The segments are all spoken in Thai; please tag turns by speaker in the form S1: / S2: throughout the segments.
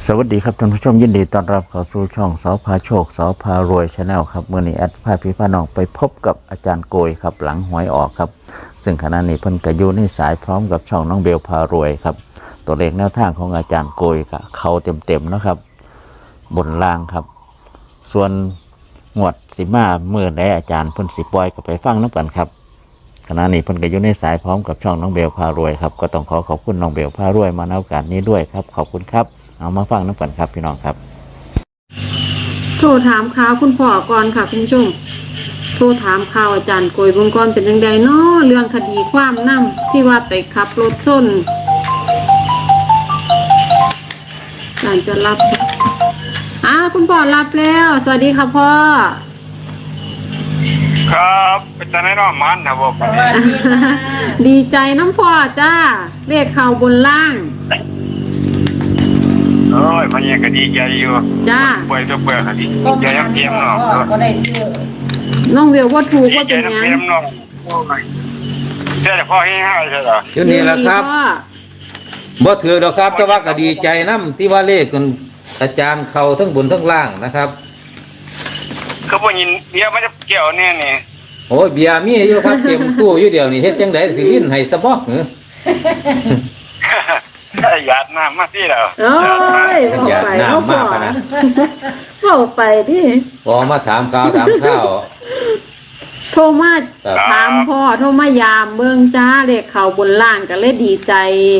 S1: สวัสดีครับท่านผู้ชมยินดีต้อนรับเข้าสู่ช่องสพาโชคสพารวยชาแนลครับเมื่อนี้แอดพาพี่พาน้องไปพบกับอาจารย์โกยครับหลังหวยออกครับซึ่งขณะนี้เพิ่นก็อยู่ในสายพร้อมกับช่องน้องเบลพารวยครับตัวเลขแนวทางของอาจารย์โกยก็เข้าเต็มๆนะครับบนล่างครับส่วนงวดสิมาเมื่อใดอาจารย์เพิ่นสิปล่อยก็ไปฟังน้ำกันครับขณะนี้เพิ่นก็อยู่ในสายพร้อมกับช่องน้องเบลพารวยครับก็ต้องขอบคุณน้องเบลพารวยมาในโอกาสนี้ด้วยครับขอบคุณครับเอามาฟังน้ำกันครับพี่น้องครับ
S2: โทรถามข่าวคุณพ่อก่อนค่ะคุณผู้ชมโทรถามข่าวอาจารย์โกยบงกรเป็นยังไงเนาะเรื่องคดีความนำที่ว่าไปขับรถส้นอาจารย์จะรับคุณพ่อรับแล้วสวัสดีค่ะพ่อ
S3: ครับเป็นจังได๋เนาะมันนะบ่ปานนี้
S2: ดีใจน้ำพ่อจ้าเลขข่าวบนล่าง
S3: โอ้ยมันยังก็ดีใจอยู่
S2: จ้า
S3: ป่วยตัวเปลือกก็ดีใจยังเตรียมเนาะ
S4: ก็ได้ซื้อ
S2: น้องเวียวว่าถูก
S3: ดี
S2: ว่า
S3: ใจ
S2: เป็น
S3: ยัง
S2: ยัง
S3: เตรียมเนาะเสียแต่พ่อให้ให้ใช่เหรอ
S5: ชุดนี้แหละครับ
S2: พ่อ
S5: บ่ถือหรอกครับแต่ว่าก็ดีใจน้ำที่ว่าเลขกันอาจารย์เขาทั้งบนทั้งล่างนะครับ
S3: คือบ่ยินเดี๋ยวมันจะเกี่ยวแน่นี่
S5: โอ้ยเบียร์มีอยู่ครับเต็มตู้อยู่เดียวนี่เฮ็ดจังได๋สิลิ้นให้สะบอกเหรอ
S3: หยาดน้ำมาที่แล้ว
S2: โอ้ย
S5: อย่าหน้ามากนะ
S2: บอกไปที่
S5: พอมาถามข่าวถามข้าว
S2: โทรมา
S5: ครับ
S2: ถามพ่อโทรมายามเบิ่งจ้าเลขข่าวบนล่างก็เลยดีใจ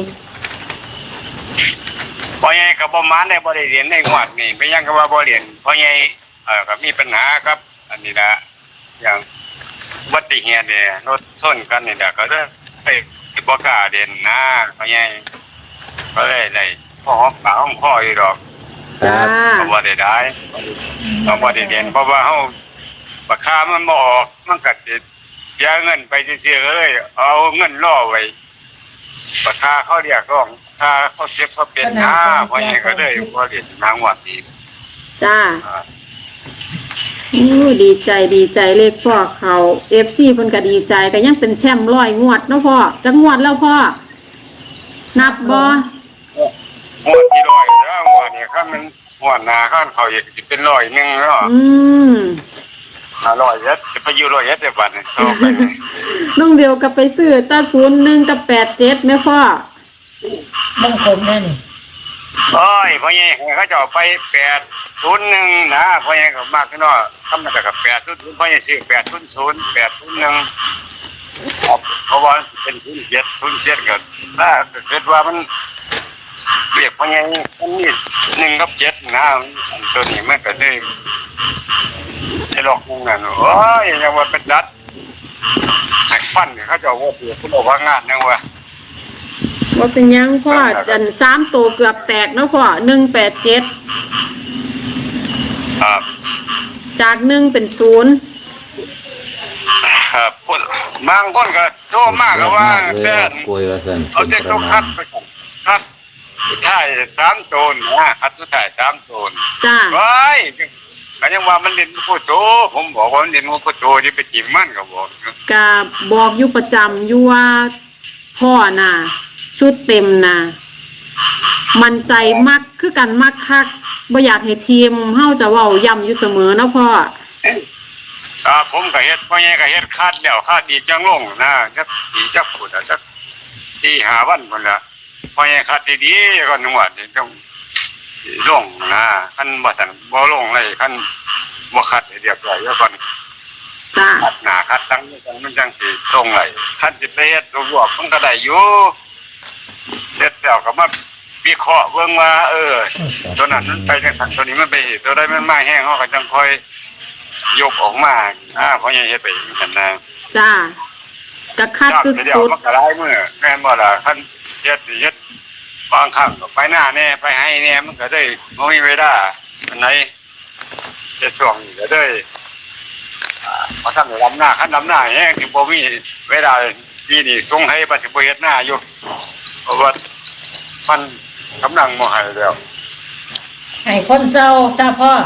S3: พ่อใหญ่ก็บ่มานได้บ่ได้เรียนในงวดนี่ไปยังก็ว่าบ่เรียนพ่อใหญ่ก็มีปัญหาครับ อันนี้ละอย่างอุบัติเหตุเนี่ยรถชนกันนี่แหละก็เลยบ่กล้าเรียนนะพ่อใหญ่ก็เลยได้พ่อหอมปากหอมคออยู่ดอก
S2: จ้า
S3: เพราะว่าได้เพราะว่าได้เรียนเพราะว่าเฮาราคามันบ่ออกมันก็สิเสียเงินไปเสียๆก็เลยเอาเงินล่อไว้ราคาเขาเรียกร้องค่าเขาเจ็บเขาเป็นเพราะงั้นก็เลยบ่เรียนทางวัดนี้
S2: จ้าโอ้ดีใจเลขพ่อเขาFC เพิ่นก็ดีใจก็ยังเป็นแชมป์100งวดเนาะพ่อจักงวดแล้วพ่อนับบ่
S3: งวดที่ร้อยแล้วงวดนี้คันมันงวดหน้าคันเขาอีกสิเป็นร้อยหนึงเนาะ
S2: อืม
S3: 500เอ็ดจะไปอยู่100เอ็ดได้บัดนี้โตไปนี่
S2: น้องเดียวก็ไปซื้อตา01กับ87แม่พ่อ
S4: มงคลแน่นี่
S3: โอ้ยพ่อใหญ่เขาจะเอาไป801นะพ่อใหญ่ก็มักเนาะทำแต่กับ800พ่อใหญ่ซื้อ800 801เพราะว่าเป็น07ก็ถ้าเกิดว่ามันเรียกพ่อใหญ่มันมี1กับ7นะตัวนี้มันก็เลยไอ้หลอกมึงนั่นโอ้ยยังว่าเป็นดัดหักฟันเขาจะว่าเปลี่ยนคุณบอกว่างานยังว่า
S2: ว่าเป็นหยังพ่อจัน3ตัวเกือบแตกเนาะพ่อ187
S3: ครับ
S2: จาก1เป็น0
S3: ครับคนบางคนก็โทษมากก็ว่า
S5: เด้
S3: แต่
S5: กล้วยว่าซั่น
S3: เอาเด็กต้องคัดไปก่อนคัดสุดท้าย3 โตนนะคัดสุดท้าย3 โตน
S2: จ้า
S3: ว้ายก็ยังว่ามันเล่นผู้โตผมบอกว่ามันเล่นผู้โตที่ไปจิ้มมันก็บอก
S2: ก็บอกอยู่ประจำอยู่ว่าพ่อน่ะชุดเต็มน่ะมันใจมักคือกันมักคักบ่อยากให้ทีมเฮาจะเว้าย้ำอยู่เสมอเนาะพ่อ
S3: ผมก็เฮ็ดพ่อใหญ่ก็เฮ็ดคาดแล้วคาดอีกจังลงนะจักอีจักพูดจักที่5 วันพุ่นล่ะพ่อใหญ่คาดดีๆก็นวดนี่ต้องลงนะคันบ่ซั่นบ่ลงเลยคันบ่คัดให้เรียบร้อยแล้วก่อน
S2: จ้า
S3: คัดหน้าคัดหลังมันจังสิตรงเลยคันสิไปเฮ็ดรวบมันก็ได้อยู่เฮ็ดแล้วก็มาวิเคราะห์เบิ่งว่าตัวนั้นมันไปจังซั่นตัวนี้มันไปตัวใดมันมาแห้งเฮาก็จังค่อยยกออกมาเพราะยังเฮ็ดไปจังซั่นนะ
S2: จ้าก็คัดสุ
S3: เดี๋ยว
S2: ด
S3: มันก็หลายมื้อแม่นบ่ล่ะคันเฮ็ดบางครั้งก็ไปหน้าแน่ไปให้แน่มันก็ได้บ่มีเวลาอันไหนจะช่วงนี้ก็ได้พอสั่งลำหน้าคันลำหน้าแห้งสิบ่มีเวลาปีนี้ส่งให้บ่สิบ่เฮ็ดหน้าอยู่เพราะว่ามันกำลังบ่ให้แล้ว
S4: ให้คนเศร้าจ้าพ่อ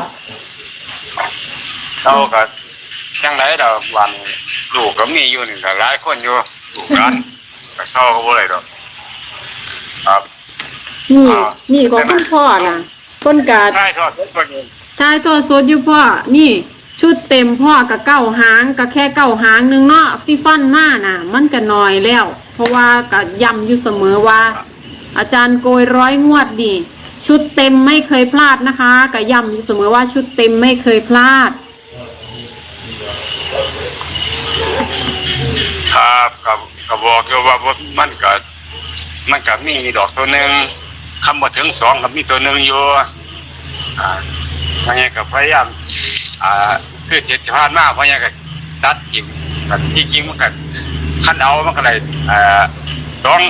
S3: เราก็จังได๋ดอกวันลูกก็มีอยู่นี่ก็หลายคนอยู่ลูกหลานก็เข้าก็บ่ได้ดอกครับ
S2: ๆนี่ของคุณพ่อน่ะเพิ่นก็
S3: ใช่ทอดทุกคน
S2: ถ่ายทอดสดอยู่พ่อนี่ ชุดเต็มพ่อกับเก้าหางก็แค่เก้าหางหนึงเนาะที่ฟันมาน่ะ มันก็น้อยแล้ว เพราะว่าก็ย้ำอยู่เสมอว่า อาจารย์โกย100 งวดนี่ชุดเต็มไม่เคยพลาดนะคะก็ย้ำอยู่เสมอว่าชุดเต็มไม่เคยพลาด
S3: ครับก็บอกอยู่ว่ามันก็มีดอกตัวหนึ่งคำว่าถึง2ก็มีตัวหนึ่งอยู่เพราะงั้นก็พยายามคือเจ็ดผ่านมาเพราะงั้นก็ตัดกิ่งแต่ที่จริงมันก็คันเอามันก็เลยสอง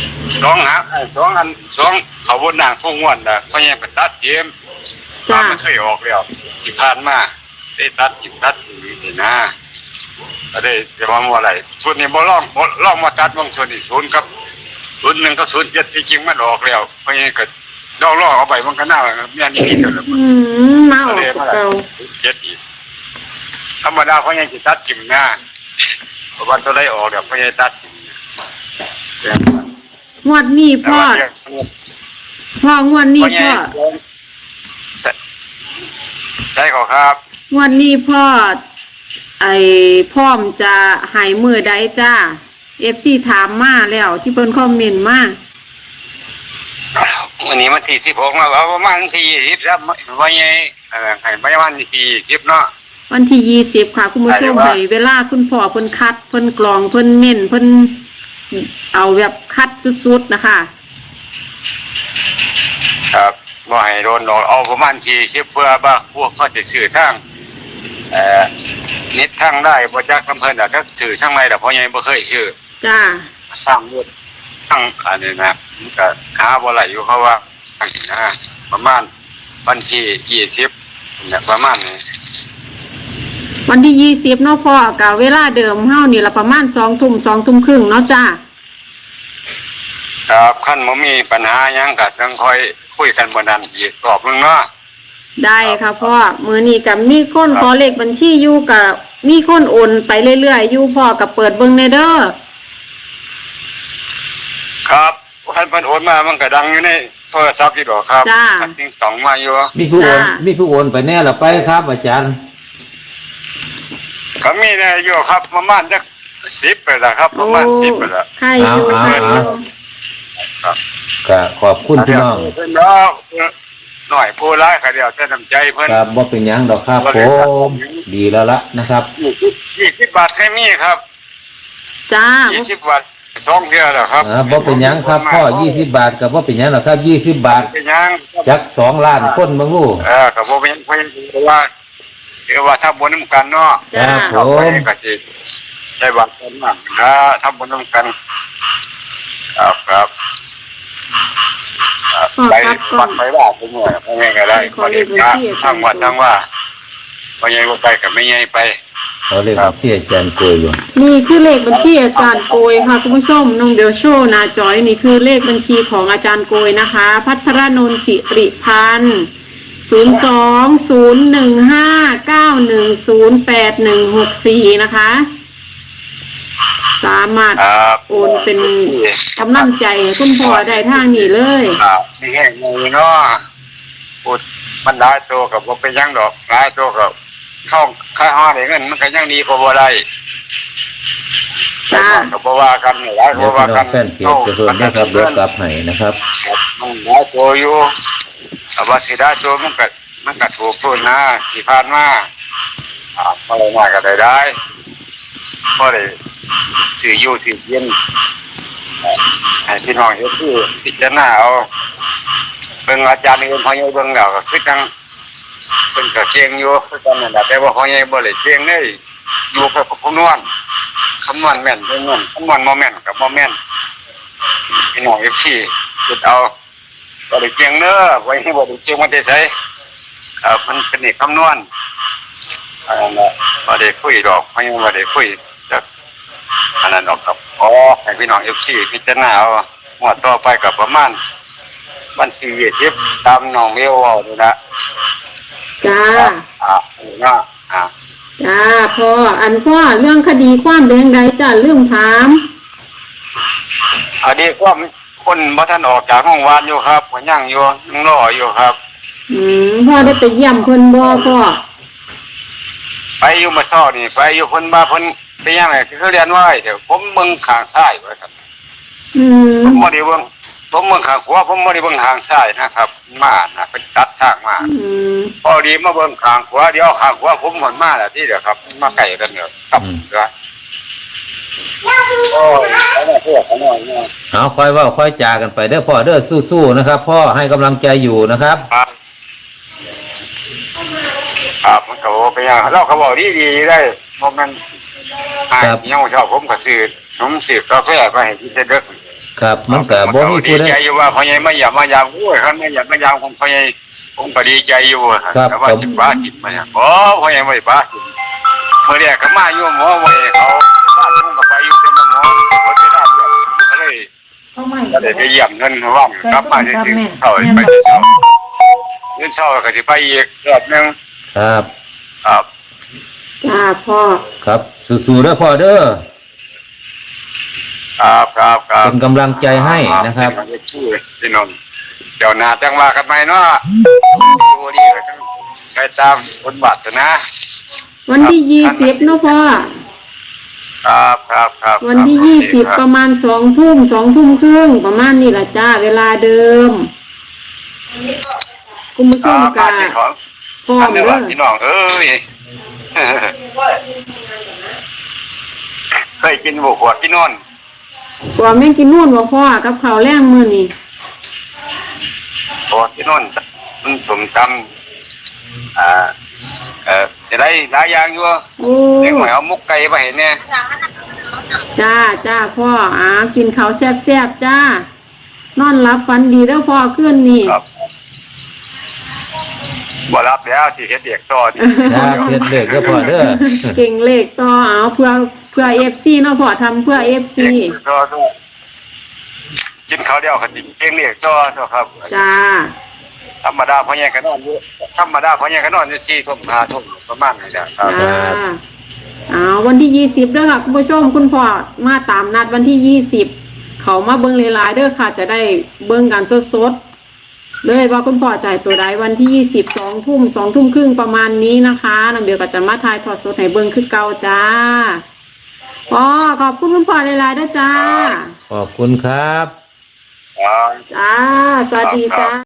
S3: เขาบนนางพุ่งวันนะเพราะงั้นก็ตัดเกม
S2: จ้า
S3: มันเคยออกแล้วที่ผ่านมาได้ตัดกิ่งตัดนี่นะก็ได้จะว่าอะไรส่วนนี้บ่ล่องมาตัดบางส่วนอีก0กับ01กับ07ที่จริงมันออกแล้วเพราะงั้นก็ล่อเอาไปมันก็น่าแม่นนี่เด้อ
S2: มาออกกับเก่า
S3: 7อีกธรรมดาเพราะงั้นสิตัดกิ่งหน้าเพราะว่าตัวได้ออกแล้วเพราะงั้นตัดกิ่ง
S2: งวดนี้พ่องวดนี้พ่อ
S3: ใช่ครับ
S2: งวดนี้พ่อพร้อมจะหายมือใดจ้า FC ถามมาแล้วที่เพิ่นคอมเมนต์มา
S3: วันนี้มันที่16มาว่าประมาณที่20ครับว่าไงให้ประมาณที่20เนาะ
S2: วันที่20ค่ะคุณผู้ชมให้เวลาคุณพ่อเพิ่นคัดเพิ่นกรองเพิ่นเน้นเพิ่นเอาแบบคัดสุดๆนะคะ
S3: ครับบ่ให้โดนหลอกเอาประมาณ40เพื่อว่าพวกเขาจะซื้อทางนิดทางได้บ่จักลำเพิ่นก็ซื้อทางไหนล่ะเพราะยังบ่เคยซื้อ
S2: จ้า
S3: สร้างรถทางอันนี้นะมันก็หาบ่ไหลอยู่เขาว่านะประมาณวันที่20เนี่ยประมาณนี้
S2: วันที่20เนาะพ่อกับเวลาเดิมเฮานี่ละประมาณ2 ทุ่ม2 ทุ่มครึ่งเนาะจ้า
S3: ครับขั้นบ่มีปัญหาหยังก็จังค่อยคุยกันบ่นั้นอีกรอบนึงเนาะ
S2: ได้ค่ะพ่อมื้อนี้ก็มีคนขอเลขบัญชีอยู่กับมีคนโอนไปเรื่อยๆอยู่พ่อก็เปิดเบิ่งในเด้อ
S3: ครับคันเพิ่นโอนมามันก็ดังอยู่ในโทรศัพท์อยู่ดอกครับจริงต้องมาอยู่
S5: มีผู้โอนไปแน่ละไปครับอาจารย์
S3: ก็มีนะอยู่ครับประมาณจัก10ไปแล้วครับประมาณ10ไปแล้ว
S2: ใครอยู่ใครอยู่
S5: ก็ขอบคุณพี่น้อง
S3: เพิ่นเนาะหน่อยผู้ร้ายก็เดียวแต่น้ำใจเพิ่น
S5: ครับบ่เป็นหยังดอกครับผมดีแล้วละนะครับ
S3: 20 บาทแค่มีครับ
S2: จ้า
S3: 20 บาท2เทื่อแล้วครับ
S5: บ่เป็นหยังครับพ่อ20 บาทก็บ่เป็นหยังหรอกครับ20 บาท
S3: เป็นหยัง
S5: จัก2 ล้านคนเบิ่งรู้
S3: ก็บ่เป็นเพิ่นว่าถ้าบ่นำกันเนาะ
S2: จ้า
S5: ครับ
S3: ก็ก็สิใช้บัตรกันบ้างนะถ้าบ่นำกันครับไปวัดไปว่าไปเมื่อไปไงก็ได้พอดีนะทั้งวัดทั้งว่าพอใหญ่บ่ไปก็ไม่ใหญ่ไป
S5: เขาเรียกว่าที่อาจารย์โกยอยู่
S2: นี่คือเลขบัญชีอาจารย์โกยค่ะคุณผู้ชมน้องเดลโชว์หนาจอยนี่คือเลขบัญชีของอาจารย์โกยนะคะ พัทรนนท์สิริพันธ์02-015-9108164นะคะสามารถโอนเป็นกำลังใจให้คุณพ่อได้ทางนี้เลย
S3: นี่แห้งเลยเนาะพูดมันหลายตัวกับบ่เป็นหยังดอกหลายตัวกับเข้าค่าห้อได้เงินมันก็ยังดีกว่าบ่ได้
S2: จ้า
S3: ก็บ่ว่ากันหลาย
S5: เดี๋
S3: บ่
S5: ยว
S3: ว่า
S5: พี่น้
S3: กั
S5: อน งแฟนเพจจะเพิ่มนะครับเดี๋ยวกลับให้นะครับ
S3: มันหลายตัวอยู่แต่ว่าสิได้ตัวมันก็ถูกตัวนะที่ผ่านมาพอได้มาก็ได้พอได้ซื้ออยู่ที่เย็นให้พี่น้องเฮ็ดคือพิจารณาเอาเบิ่งอาจารย์อื่นพ่อใหญ่เบิ่งแล้วก็คือจังเพิ่นก็เก่งอยู่คือกันนั่นแหละแต่ว่าพ่อใหญ่บ่ได้เก่งเลยอยู่กับคำนวณแม่นเพิ่นนั่นคำนวณบ่แม่นก็บ่แม่นพี่น้อง FC คิดเอาบ่ได้เก่งเด้อบ่ให้บ่ได้เก่งมันได้ไสมันเป็นเอกคำนวณอันนั้นน่ะบ่ได้คุยดอกพ่อใหญ่บ่ได้คุยจักอันนั้นดอกครับให้พี่น้อง FC พิจารณาเอางวดต่อไปก็ประมาณวันที่20ตามน้องเมลเว้านี่นะ
S2: จ้า
S3: เนาะ
S2: จ้าพ่อพ่อเรื่องคดีความแดงใดจ้าเรื่องถาม
S3: อันนี้ก็คนบ่ทันออกจากห้องวานอยู่ครับก็ยังอยู่ยังรออยู่ครับ
S2: พ่อได้ไปเยี่ยมเพิ่นบ่พ่อ
S3: ไปอยู่มาซ้อนี่ไปอยู่คนมาเพิ่นไปยังไงเขาเรียนว่าเดี๋ยวผมเบิ่งข้างซ้ายไว้ครับ
S2: อืม
S3: ผมบ่ได้เบิ่งผมเบิ่งข้างขวาผมบ่ได้เบิ่งข้างซ้ายนะครับมาน่ะเป็นตัดทางมา
S2: อืม
S3: พอดีมาเบิ่งข้างขวาเดี๋ยวข้างขวาผมมันมาแล้วที่เดียวครับมาใกล้กันเนี่ยครับก็โอ้ยเขามาเพื่อเขาหน่อยเนี่ย
S5: เอาค่อยเว่าค่อยจากันไปเด้อพ่อเด้อสู้ๆนะครับ พ่อให้กำลังใจอยู่นะครับ
S3: ครับมันก็ไปยังเราเขาบอกดีๆได้เพราะมันยังเช้าผมก็ซื้อผมซื้อกาแฟไปให้กินเด็ก
S5: ครับมันก็บ่มี
S3: ดี
S5: ผู้ใด
S3: ใจอยู่ว่าพ่อใหญ่มายามโอ้ยคันไม่อยากมายามของพ่อใหญ่ผมก็ดีใจอยู่แต่ว่าจิบบ้าจิบมาเนี่ยอ๋อพ่อใหญ่ไม่บ้าจิบเมื่อเรียกก็มาอยู่หมอไว้เขาบ้านผมก็ไปอยู่เป็นหมอเขาไปได้ก็เลย
S4: เขาไม่
S3: ก็เลยไปเยี่ยมเงินว่างกลับมาจริงๆเขาไปเช้าเงินเช้าก็จะไปอีกรอบนึง
S5: ครับ
S3: ครับ
S2: จ้าพ่อ
S5: ครับสู้ๆเด้อพ่อเด้อ
S3: ครับ
S5: เป็นกำลังใจให้นะครับ
S3: ชื่อพี่นนท์เดี๋ยวนาจังว่ากันไหมเนาะดูดีไปตามบทบาทนะ
S2: วันที่20เนาะพ่อ
S3: ครับ
S2: วันที่20ประมาณ2 ทุ่ม2 ทุ่มครึ่งประมาณนี้ล่ะจ้าเวลาเดิมคุณผู้ชมกะพร้อม
S3: เด้
S2: เด้
S3: อ
S2: อ
S3: พี่น้องเอ้ยเคยกินบุกหัวพี่นนท์
S2: กว่าแม่งกินนู่นบ่พ่อกับข้าวแรงมื้อนี้
S3: หัวพี่นนท์มันสมตำจะได้หลายอย่างอยู่
S2: โอ้
S3: เด็กหน่อยเอามุกไก่ไปเห็นเนี่ย
S2: จ้าพ่อกินข้าวแซ่บๆจ้านอนหลับฝันดีเด้อพ่อคืนนี้
S3: ครับบ่รับแล้วที่เฮ็ดเด็กต่อนี่
S5: ครับเฮ็ดเลขเด้อพ่อเด้อ
S2: เก่งเลขต่อเพื่อ FC เนาะพ่อทำเพื่อ FC
S3: ต่อกินข้าวเดียวก็สิเก่งเด็กต่อครับ
S2: จ้า
S3: ธรรมดาพ่อใหญ่ก็นอนอยู่ธรรมดาพ่อใหญ่ก็นอนอยู่4 ทุ่ม5 ทุ่มประมาณนี้จ้ะครับ
S2: จ้าวันที่20เด้อค่ะคุณผู้ชมคุณพ่อมาตามนัดวันที่20เขามาเบิ่งหลายๆเด้อค่ะจะได้เบิ่งกันสดๆเลยว่าคุณพ่อจ่ายตัวใดวันที่20 2 ทุ่ม2 ทุ่มครึ่งประมาณนี้นะคะน้องเบลก็จะมาถ่ายทอดสดให้เบิ่งคือเก่าจ้าพ่อขอบคุณคุณพ่อหลายๆเด้อจ้า
S5: ขอบคุณครับ
S3: ครับ
S2: จ้าสวัสดีจ้า